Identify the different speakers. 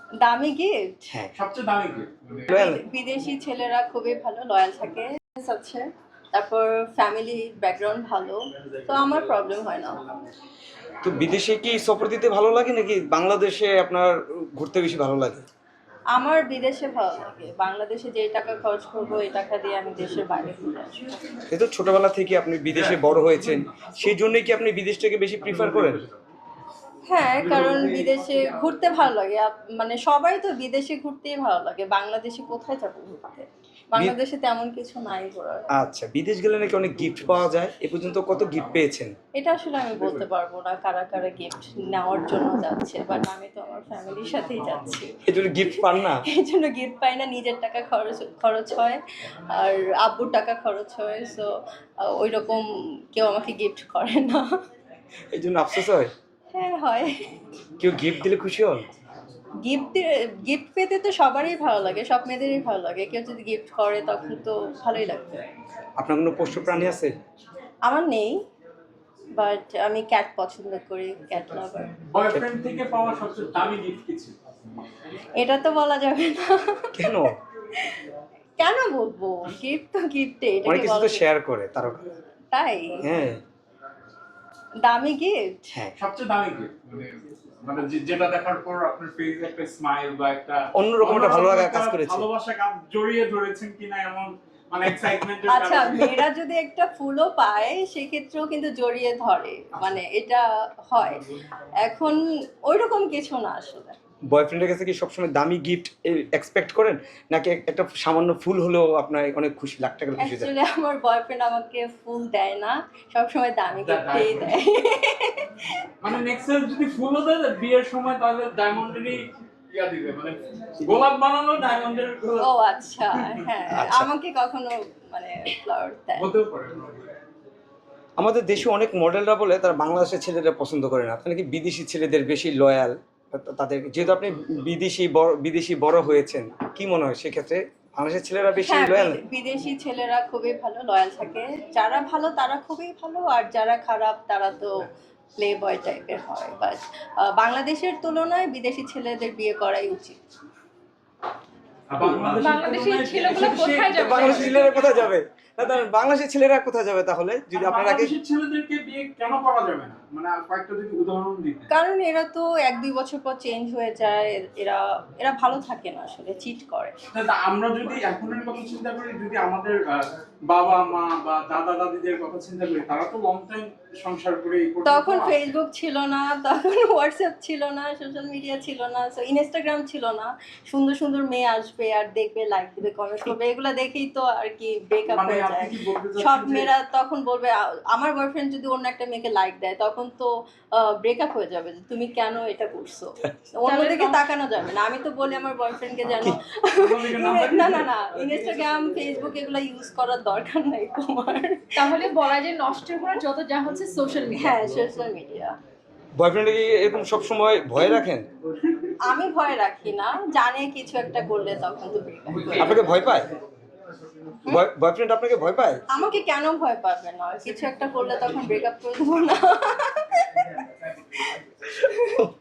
Speaker 1: দামি গিফট?
Speaker 2: হ্যাঁ,
Speaker 3: সবচেয়ে দামি গিফট
Speaker 2: লয়াল।
Speaker 1: বিদেশি ছেলেরা খুবই ভালো, লয়াল থাকে আছে। তারপর ফ্যামিলি ব্যাকগ্রাউন্ড ভালো, তো আমার প্রবলেম হয় না।
Speaker 2: তো বিদেশে কি সফর দিতে ভালো লাগে নাকি বাংলাদেশে আপনার ঘুরতে বেশি ভালো লাগে?
Speaker 1: আমার বিদেশে ভালো লাগে। বাংলাদেশে যে টাকা খরচ করবো এই টাকা দিয়ে আমি দেশের বাইরে ঘুরে আসবো।
Speaker 2: এই তো ছোটবেলা থেকে আপনি বিদেশে বড় হয়েছেন, সেই জন্যই কি আপনি বিদেশটাকে বেশি প্রিফার করেন?
Speaker 1: হ্যাঁ, কারণ বিদেশে ঘুরতে ভালো লাগে। মানে সবাই তো বিদেশে ঘুরতেই ভালো লাগে। বাংলাদেশে কোথায় যাবো ঘুরতে? বাংলাদেশে তেমন কিছু নাই ঘোরার।
Speaker 2: আচ্ছা, বিদেশ গেলে নাকি অনেক গিফট পাওয়া যায়, এ পর্যন্ত কত গিফট পেয়েছেন?
Speaker 1: এটা আসলে আমি বলতে পারবো না কারা কারা গিফট নেওয়ার জন্য যাচ্ছে, বাট আমি তো আমার ফ্যামিলির সাথেই যাচ্ছি।
Speaker 2: এই জন্য গিফট পান না?
Speaker 1: এই জন্য গিফট পাই না, নিজের টাকা খরচ হয় আর আব্বুর টাকা খরচ হয়। সো ওই রকম কেউ আমাকে গিফট করে না।
Speaker 2: এই জন্য আফসোস হয়?
Speaker 1: হ্যাঁ হয়।
Speaker 2: কেউ গিফট দিলে খুশি হন?
Speaker 1: গিফট পেতে তো সবারই ভালো লাগে, সব মেয়েদেরই ভালো লাগে। কেউ যদি গিফট করে তখন তো ভালোই লাগবে।
Speaker 2: আপনার কোনো পোষ্য প্রাণী আছে?
Speaker 1: আমার নেই, বাট আমি ক্যাট পছন্দ করি, ক্যাট লাভার।
Speaker 3: বয়ফ্রেন্ড থেকে পাওয়া সবচেয়ে দামি গিফট কি ছিল?
Speaker 1: এটা তো বলা যাবে না।
Speaker 2: কেন?
Speaker 1: কেন বলবো? গিফট তো গিফটে, এটা
Speaker 2: অনেক
Speaker 1: কি
Speaker 2: কিছু
Speaker 1: বলা
Speaker 2: তো
Speaker 1: যাবে?
Speaker 2: শেয়ার করে তারা।
Speaker 1: তাই?
Speaker 2: হ্যাঁ
Speaker 1: দামি গিফট?
Speaker 2: হ্যাঁ,
Speaker 3: সবচেয়ে দামি গিফট মানে যেটা দেখার পর আপনার ফেসে একটা স্মাইল বা একটা
Speaker 2: অন্যরকম একটা ভালো লাগা কাজ করেছে।
Speaker 3: ভালোবাসা কাজ জড়িয়ে ধরেছেন কিনা এমন মানে এক্সাইটমেন্টের
Speaker 1: আচ্ছা, মেয়েরা যদি একটা ফুলও পায় সেক্ষেত্রেও কিন্তু জড়িয়ে ধরে, মানে এটা হয়। এখন ওইরকম কিছু না আসলে।
Speaker 2: বয়ফ্রেন্ডের কাছে কি সবসময় দামি গিফট এক্সপেক্ট করেন, নাকি একটা সামান্য ফুল হলেও আপনার অনেক খুশি, লাখ টাকার খুশি দেয়?
Speaker 1: অ্যাকচুয়ালি আমার বয়ফ্রেন্ড আমাকে ফুল দেয় না, সবসময় দামি গিফটই দেয়।
Speaker 3: মানে নেক্সট যদি ফুলও দেয় বিয়ের সময় তাহলে ডায়মন্ডেরই ইয়া দিবে, মানে গোলাপ বানানো ডায়মন্ডের গোলাপ।
Speaker 1: ও আচ্ছা, হ্যাঁ।
Speaker 2: আচ্ছা।
Speaker 1: আমাকে কখনো মানে ফ্লাওয়ার দেয়।
Speaker 3: হতেও পারে।
Speaker 2: আমাদের দেশে অনেক মডেলরা বলে তারা বাংলাদেশের ছেলেদের পছন্দ করে না, আপনি নাকি বিদেশি ছেলেদের বেশি লয়াল তাদের, যেহেতু আপনি বিদেশি বড় হয়েছেন, কি মনে হয় সেক্ষেত্রে বাংলাদেশের ছেলেরা বেশি
Speaker 1: হ্যাঁ,
Speaker 2: লয়াল?
Speaker 1: বিদেশি ছেলেরা খুবই ভালো, লয়াল থাকে। যারা ভালো তারা খুবই ভালো, আর যারা খারাপ তারা তো প্লে বয় টাইপের হয়। বাট বাংলাদেশের তুলনায় বিদেশি ছেলেদের বিয়ে করাই উচিত।
Speaker 4: বাংলাদেশের ছেলেগুলো কোথায় যাবে?
Speaker 2: বাংলাদেশের ছেলেরা কোথায় যাবে? না, বাংলাদেশের ছেলেরা কোথায় যাবে তাহলে যদি আপনারা
Speaker 3: বাংলাদেশের ছেলেদেরকে বিয়ে কেন করা যাবে না, মানে কয়েকটা যদি উদাহরণ দিতে?
Speaker 1: কারণ এরা তো 1-2 বছর পর চেঞ্জ হয়ে যায়। এরা ভালো থাকে না, আসলে চিট করে।
Speaker 3: আমরা যদি এখনের কথা চিন্তা করি, যদি আমাদের বাবা মা বা দাদা দাদিদের কথা চিন্তা করি, তারা তো লং টাইম সংসার করে
Speaker 1: তখন ফেসবুক ছিল না, তখন হোয়াটসঅ্যাপ ছিল না, সোশ্যাল মিডিয়া ছিল না, সো ইনস্টাগ্রাম ছিল না। সুন্দর সুন্দর মেয়ে আসবে আর দেখবে, লাইক দিবে, কমেন্ট করবে, এগুলা দেখেই তো আর কি ব্রেকআপ হয়ে যায়। সব মেয়েরা তখন বলবে, আমার বয়ফ্রেন্ড যদি অন্য একটা মেয়েকে লাইক দেয় তখন তো ব্রেকআপ হয়ে যাবে, যে তুমি কেন এটা করছো। অন্যদিকে তাকানো যাবে না। আমি তো বলি আমার বয়ফ্রেন্ডকে যেন না না না, ইনস্টাগ্রাম ফেসবুক এগুলা ইউজ করার দরকার নাই তোমার।
Speaker 4: তাহলে বলা যায় নষ্ট করা যত যা হচ্ছে সোশ্যাল মিডিয়া।
Speaker 1: হ্যাঁ, সোশ্যাল মিডিয়া।
Speaker 2: বয়ফ্রেন্ডে কি এরকম সবসময় ভয় রাখেন?
Speaker 1: আমি ভয় রাখি না, জানে কিছু একটা করলে তখন তো ব্রেকআপ।
Speaker 2: আপনাকে ভয় পায়? বয়ফ্রেন্ড আপনাকে ভয় পায়?
Speaker 1: আমাকে কেন ভয় পাবে না? কিছু একটা করলে তখন ব্রেকআপ করে দেবো না?